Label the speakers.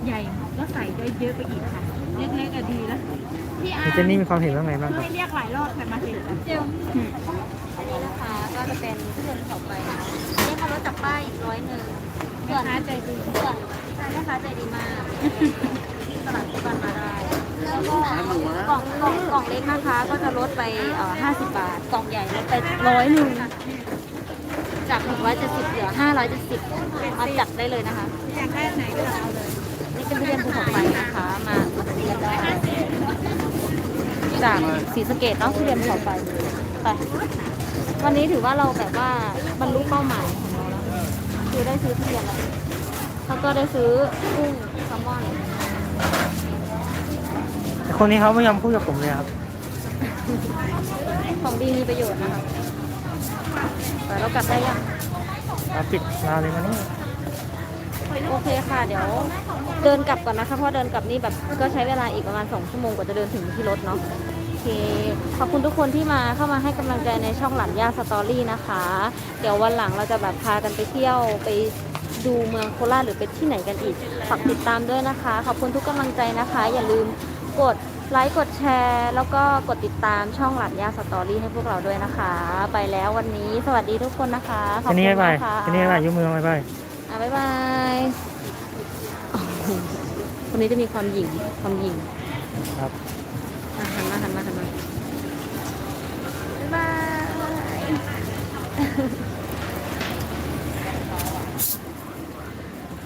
Speaker 1: ใหญ่ก็ใส่ได้เยอะไปอีกค่ะเล็กๆก็ดีแล้วพี่อา
Speaker 2: เจนนี่มีความเห็นว่าไงบ้างครับ
Speaker 1: ให้เรียกหลายรอบแต่มาเสร็จเจียว
Speaker 3: อันนี้นะคะก็จะเป็นทุเรียนเผาไฟนะนี่เขาลดจากป้ายอีก101
Speaker 1: แม่ค้าใจดี
Speaker 3: ส่วนแม่ค้าใจดีมากตลาดทุกวันมาได้แล้วก็กล่องเล็กนะคะก็จะลดไป50 บาทกล่องใหญ่ลดไป101จาก170เหลือ570มาจัดได้เลยนะคะ
Speaker 1: อยากได้ไหนก็เอาเลย
Speaker 3: นี่เป็นทุเรียนภูเขาไฟนะคะมาเรียนได้จากศรีสะเกษเนาะทุเรียนภูเขาไฟไปวันนี้ถือว่าเราแบบว่าบรรลุเป้าหมายของเราแล้วคือได้ซื้อทุเรียนแล้วก็ได้ซื้อกุ้งแซลมอน
Speaker 2: แต่คนนี้เขาไม่ยอมพูดกับผมเลยครับ
Speaker 3: ของดีมีประโยชน์นะคะแต่เรากลับได้ยัง
Speaker 2: ปิดมาเลยมานี่
Speaker 3: โอเคค่ะเดี๋ยวเดินกลับก่อนนะคะเพราะเดินกลับนี่แบบก็ใช้เวลาอีกประมาณ2 ชั่วโมงกว่าจะเดินถึงที่รถเนาะโอเคขอบคุณทุกคนที่มาเข้ามาให้กำลังใจในช่องหลานย่าสตอรี่นะคะ เดี๋ยววันหลังเราจะแบบพากันไปเที่ยวไปดูเมืองโคราชหรือไปที่ไหนกันอีกฝากติดตามด้วยนะคะขอบคุณทุกกำลังใจนะคะ อย่าลืมกดไลค์กดแชร์แล้วก็กดติดตามช่องหลานย่าสตอรี่ให้พวกเราด้วยนะคะ ไปแล้ววันนี้สวัสดีทุกคนนะคะขอบ
Speaker 2: เจน
Speaker 3: คุ
Speaker 2: นี่
Speaker 3: ณ
Speaker 2: บ๊ายบาย
Speaker 3: นะคะ
Speaker 2: เจนนี่บ๊ายบายยกมือบ๊ายบาย
Speaker 3: บ๊ายบายคนนี้จะมีความหยิ่ง
Speaker 2: ครับ
Speaker 3: หันมาบ๊ายบาย